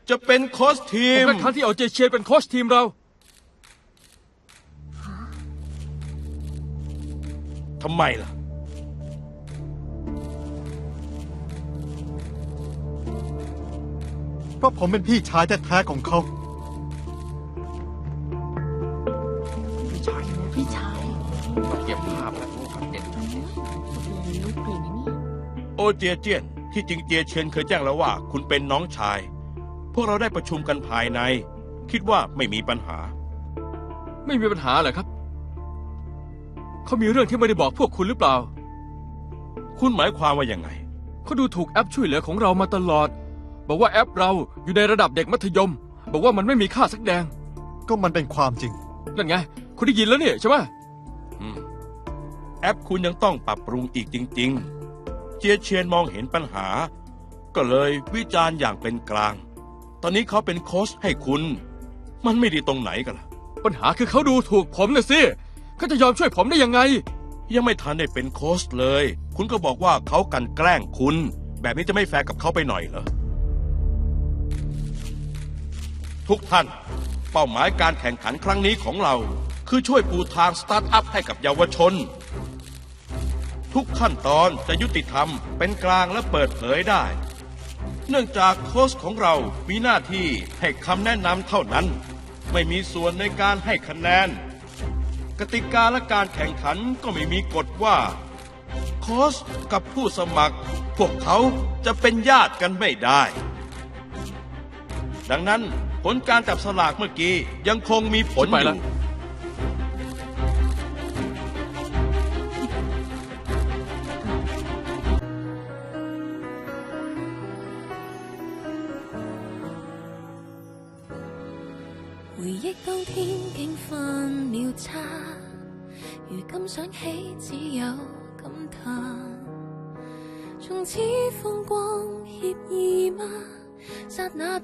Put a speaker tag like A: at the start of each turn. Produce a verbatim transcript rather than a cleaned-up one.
A: จะเป็นโค้ชที
B: ผม มเป็นครั้งที่เอาเจเชียนเป็นโค้ชทีมเรา
A: ทำไมล่ะ
C: เพราะผมเป็นพี่ชายแท้ๆของเขา
D: พี่ชายพี่ชาย
B: เก็บภาพแล้วเด็ด
D: ลูกเปลี่ยนนะเนี่ย
A: โอเจียเจียนที่จริงเจียเชียนเคยแจ้งแล้วว่าคุณเป็นน้องชาย พวกเราได้ประชุมกันภายใน คิดว่าไม่มีปัญหา
B: ไม่มีปัญหาเหรอครับ เขามีเรื่องที่ไม่ได้บอกพวกคุณหรือเปล่า
A: คุณหมายความว่ายังไง
B: เขาดูถูกแอปช่วยเหลือของเรามาตลอด บอกว่าแอปเราอยู่ในระดับเด็กมัธยม บอกว่ามันไม่มีค่าสักแดง
C: ก็มันเป็นความจริง
B: นั่นไง คุณได้ยินแล้วเนี่ยใช่ไหม
A: อืมแอปคุณยังต้องปรับปรุงอีกจริง ๆ เจียเชียนมองเห็นปัญหา ก็เลยวิจารณ์อย่างเป็นกลาง ตอนนี้เขาเป็นโค้ชให้คุณ มันไม่ดีตรงไหนกันล่ะ
B: ปัญหาคือเขาดูถูกผมน่ะสิเขาจะยอมช่วยผมได้ยังไง
A: ยังไม่ทันได้เป็นโค้ชเลย คุณก็บอกว่าเขากลั่นแกล้งคุณ แบบนี้จะไม่แฟร์กับเขาไปหน่อยเหรอ ทุกท่าน เป้าหมายการแข่งขันครั้งนี้ของเรา คือช่วยปูทางสตาร์ทอัพให้กับเยาวชน ทุกขั้นตอนจะยุติธรรมเป็นกลางและเปิดเผยได้ เนื่องจากโค้ชของเรามีหน้าที่ให้คำแนะนำเท่านั้น ไม่มีส่วนในการให้คะแนน กติกาและการแข่งขันก็ไม่มีกฎว่า โค้ชกับผู้สมัคร พวกเขาจะเป็นญาติกันไม่ได้ ดังนั้นผลการจับสลากเมื่อกี้ยังคงมีผล
B: ไป
A: อ
B: ละ
A: ยู่
E: 回憶當天竟犯了差，如今想起只有感嘆。從此風光愜意嗎？剎那。